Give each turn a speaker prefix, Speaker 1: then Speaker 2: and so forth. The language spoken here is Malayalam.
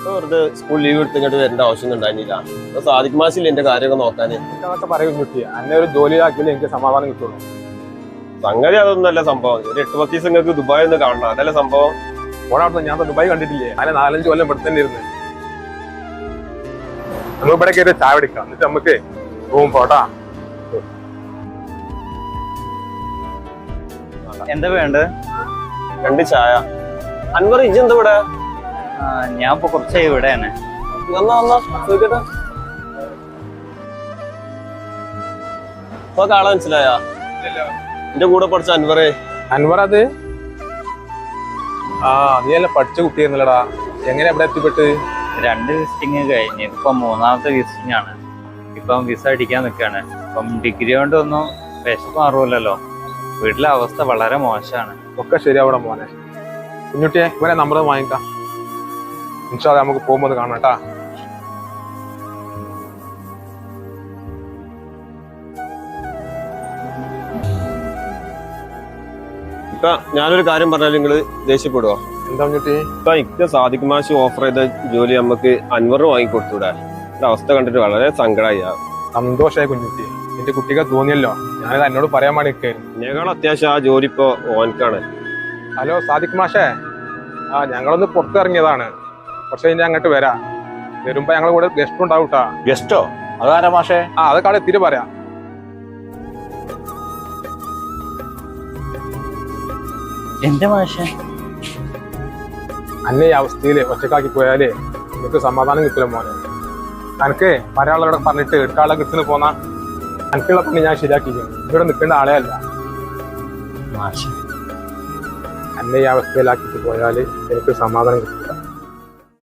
Speaker 1: വെറുതെ സ്കൂൾ ലീവ് എടുത്തിട്ട് വരേണ്ട ആവശ്യം ഉണ്ടായിരുന്നില്ല. സാദിഖ് മാഷില്ല എന്റെ കാര്യമൊക്കെ നോക്കാന്.
Speaker 2: അതൊക്കെ പറയും കുട്ടി, എന്നെ ഒരു ജോലി ആക്കിയാലേ എനിക്ക് സമാധാനം കിട്ടുള്ളൂ.
Speaker 1: സംഗതി അതൊന്നുമല്ല സംഭവം. ഒരു 8-10 ദിവസം നിങ്ങൾക്ക് ദുബായ് ഒന്ന് കാണണം, അതല്ല സംഭവം.
Speaker 2: ഓടെ ഞാൻ ദുബായ് കണ്ടിട്ടില്ലേ, അതിനെ 4-5 കൊല്ലം ഇവിടെ തന്നെ ഇരുന്ന്. നമ്മൾ ഇവിടെ കയറി ചായ പിടിക്കാം, എന്നിട്ട് നമുക്ക് റൂം പോട്ടാ.
Speaker 3: എന്താ വേണ്ടത്?
Speaker 1: 2 ചായ. അൻവർ ഇജ്ജ് എന്താ ഇവിടെ?
Speaker 3: ഞാൻ ഇപ്പൊ കുറച്ചായി ഇവിടെയാണ്.
Speaker 1: ചോദിക്കട്ടെ, ഇപ്പൊ കാണാൻ മനസ്സിലായ എന്റെ കൂടെ പഠിച്ച അൻവറേ?
Speaker 2: അൻവർ അത് നീ എല്ലാം പഠിച്ച കുട്ടിയായിരുന്നല്ലടാ, എങ്ങനെ എവിടെ എത്തിപ്പെട്ട്?
Speaker 3: 2 വിസിറ്റിങ് കഴിഞ്ഞ് ഇപ്പൊ 3ാമത്തെ വിസിറ്റിംഗ് ആണ്. ഇപ്പം വിസ അടിക്കാൻ നിൽക്കാണ്. ഇപ്പം ഡിഗ്രി കൊണ്ടൊന്നും വിശപ്പ് മാറുമല്ലോ. വീട്ടിലെ അവസ്ഥ വളരെ മോശമാണ്.
Speaker 2: ഒക്കെ ശരിയാവണം മോനെ. കുഞ്ഞുട്ടിയെ ഇവരെ നമ്പർ വാങ്ങിക്കാം, ഇൻഷാ അല്ലാഹ് നമുക്ക് പോകുമ്പോൾ കാണാം കേട്ടാ.
Speaker 1: ഇപ്പൊ ഞാനൊരു കാര്യം പറഞ്ഞാൽ നിങ്ങള് ദേഷ്യപ്പെടുവോ?
Speaker 2: എന്താ കുഞ്ഞുട്ടി?
Speaker 1: ഇപ്പൊ ഇക്ക സാദിഖ് മാഷ് ഓഫർ ചെയ്ത ജോലി നമുക്ക് അൻവറിന് വാങ്ങിക്കൊടുത്തൂടെ? അവസ്ഥ കണ്ടിട്ട് വളരെ സങ്കടമായി.
Speaker 2: സന്തോഷമായി കുഞ്ഞുട്ടി, എന്റെ കുട്ടിക്ക് തോന്നിയല്ലോ, ഞാനത് എന്നോട് പറയാൻ വേണ്ടി നിൽക്കായിരുന്നു.
Speaker 1: ഞങ്ങൾ അത്യാവശ്യം ആ ജോലി ഇപ്പൊ ഓനക്കാണ്.
Speaker 2: ഹലോ സാദിഖ് മാഷേ, ഞങ്ങളൊന്ന് പുറത്തിറങ്ങിയതാണ്, കുറച്ച് കഴിഞ്ഞാൽ അങ്ങോട്ട് വരാം. വരുമ്പോ ഞങ്ങൾ കൂടെ ഗസ്റ്റ് ഉണ്ടാവൂട്ടാ.
Speaker 4: ഗസ്റ്റോ? അതാരാ മാഷേ?
Speaker 2: അതൊക്കെ അവിടെ എത്തിയിട്ട് പറയാം.
Speaker 3: എന്റെ മാഷെ,
Speaker 2: അന്നെ ഈ അവസ്ഥയിൽ ഒറ്റക്കാക്കി പോയാലേ എനിക്ക് സമാധാനം കിട്ടില്ല മോനെ. എനിക്ക് ഒരാളോടെ പറഞ്ഞിട്ട് എടുക്കാളെ കിട്ടുന്ന പോന്നാ എനിക്കുള്ള പണി ഞാൻ ശരിയാക്കിയിരിക്കുന്നു. ഇവിടെ നിൽക്കേണ്ട ആളെ അല്ല. അന്നെ ഈ അവസ്ഥയിലാക്കിയിട്ട് പോയാൽ എനിക്ക് സമാധാനം കിട്ടില്ല.